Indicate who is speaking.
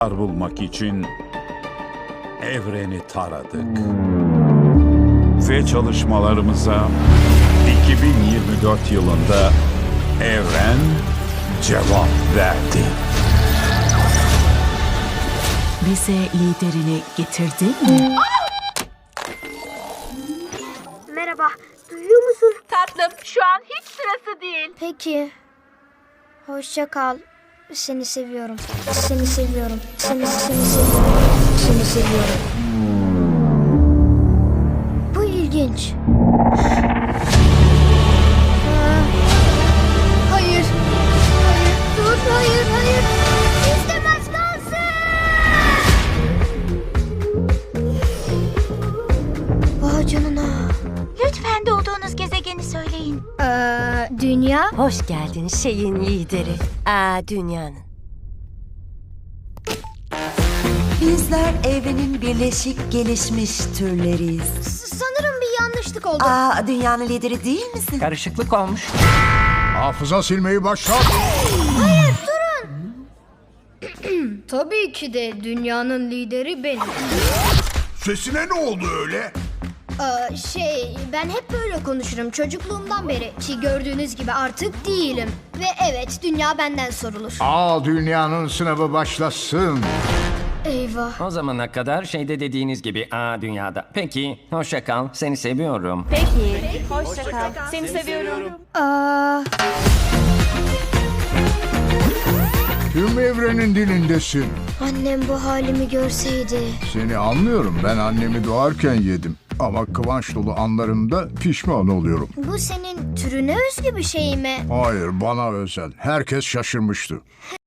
Speaker 1: bulmak için evreni taradık. Ve çalışmalarımıza 2024 yılında evren cevap verdi.
Speaker 2: Bize liderini getirdin mi?
Speaker 3: Merhaba, duyuyor musun?
Speaker 4: Tatlım, şu an hiç sırası değil.
Speaker 3: Peki. Hoşça kal. Seni seviyorum. Seni seviyorum. Seni seviyorum. Seni seviyorum. Bu ilginç. Hayır. Hayır. Dur, hayır. İstemez kalsın. Vay canına.
Speaker 4: Lütfen doğduğunuz gezegeni söyleyin.
Speaker 3: Dünya.
Speaker 5: Hoş geldin şeyin lideri. Dünyanın.
Speaker 6: Bizler evrenin birleşik gelişmiş türleriyiz.
Speaker 3: Sanırım bir yanlışlık oldu.
Speaker 6: Dünyanın lideri değil misin?
Speaker 7: Karışıklık olmuş.
Speaker 8: Hafıza silmeyi başlat.
Speaker 3: Tabii ki de dünyanın lideri benim.
Speaker 8: Sesine ne oldu öyle?
Speaker 3: Ben hep böyle konuşurum çocukluğumdan beri. Ki gördüğünüz gibi artık değilim. Ve evet, dünya benden sorulur.
Speaker 8: Dünyanın sınavı başlasın.
Speaker 3: Eyvah.
Speaker 7: O zamana kadar şeyde dediğiniz gibi dünyada. Peki, hoşça kal. Seni seviyorum.
Speaker 8: Tüm evrenin dilindesin.
Speaker 3: Annem bu halimi görseydi.
Speaker 8: Seni anlıyorum. Ben annemi doğarken yedim. Ama kıvanç dolu anlarımda pişman oluyorum.
Speaker 3: Bu senin türüne özgü bir şey mi?
Speaker 8: Hayır, bana özel. Herkes şaşırmıştı.